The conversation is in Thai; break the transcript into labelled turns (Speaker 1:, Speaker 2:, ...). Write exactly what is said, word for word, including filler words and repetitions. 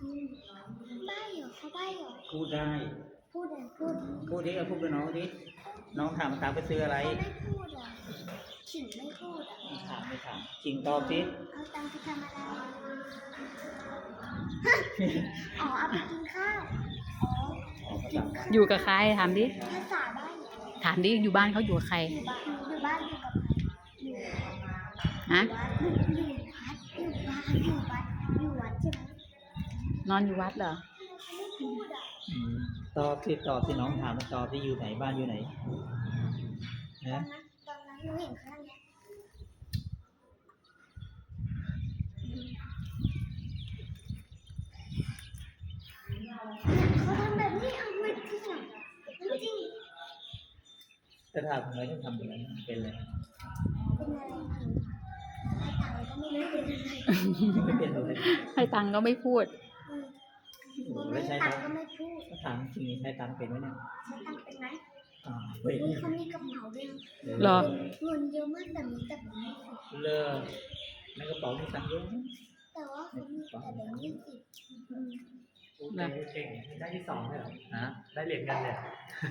Speaker 1: ใบ้เหรอเขาใบ้เหรอ
Speaker 2: พูดได้
Speaker 1: พูดอะไรพูด
Speaker 2: พูดดิเอาพูดกับน้องดิน้องถามตามไปซื้ออะไร
Speaker 1: เขาไม่พูดอ่ะขิงไม่พูดอ่ะ
Speaker 2: ไม่ถามไม่ถามจริงตอบสิ
Speaker 1: เอาตังค์ไปทำอะไรอ๋อเอาไปกินข้าวอ๋อ
Speaker 2: อ๋อภาษาบ้าน
Speaker 3: อยู่กับใครถามดิ
Speaker 1: ภาษาใบ้
Speaker 3: ถามดิอยู่บ้านเขาอยู่กับใคร
Speaker 1: อยู่บ้านอยู่บ้านอยู่กับใครอยู่
Speaker 3: ฮะ
Speaker 1: วัดอยู่วัดอยู่บ้านอยู่วัดอยู่วัดใช่ไหม
Speaker 3: นอนอยู่วัดเหรอ
Speaker 1: เขาไม่พูดอ่ะ
Speaker 2: อืมตอบสิตอบที่น้องถามมาตอบที่อยู่ไหนบ้านอยู่ไหน
Speaker 1: ตอน
Speaker 2: นะ
Speaker 1: นั้นตอนนั้นหนูเห็นข้างเนี้ยเขาทำแบบนี้เอาไม่จริงอ่ะไม่จริง
Speaker 2: จะถามทำไมต้องทำอย่างนั้นเป็นอะไร
Speaker 1: เป็นอะไรจริงให้ตายก็ไม่รู้เป็นอะไร
Speaker 2: ไม่เป็นอะไร
Speaker 3: ให้ตังค์ก็ไม่พูด
Speaker 1: อืม
Speaker 2: โอ้
Speaker 1: ไม่
Speaker 2: ไม่ใช่
Speaker 1: ตั
Speaker 2: ตั
Speaker 1: ง
Speaker 2: ง
Speaker 1: ค์ก็ไม่พูด
Speaker 2: ถ้าถามจริงใช้ตังเป็นไหมเนี่ย
Speaker 1: ใช้ตังค์เป็นไหม
Speaker 2: อ่าเว้ย
Speaker 1: นี่เขามีกระเป๋าด้วย
Speaker 3: เหรอ
Speaker 1: เงินเยอะมากแต่มีแต่แบงค์ยี่สิบ
Speaker 2: เลิกในกระเป๋ามีตังค์เยอะไหม
Speaker 1: แต่ว่าเขามีแต่แบงค์ยี่สิบ
Speaker 2: โอเคเก่งได้ที่สองเลยเหรอฮะได้เหรียญเงินเลย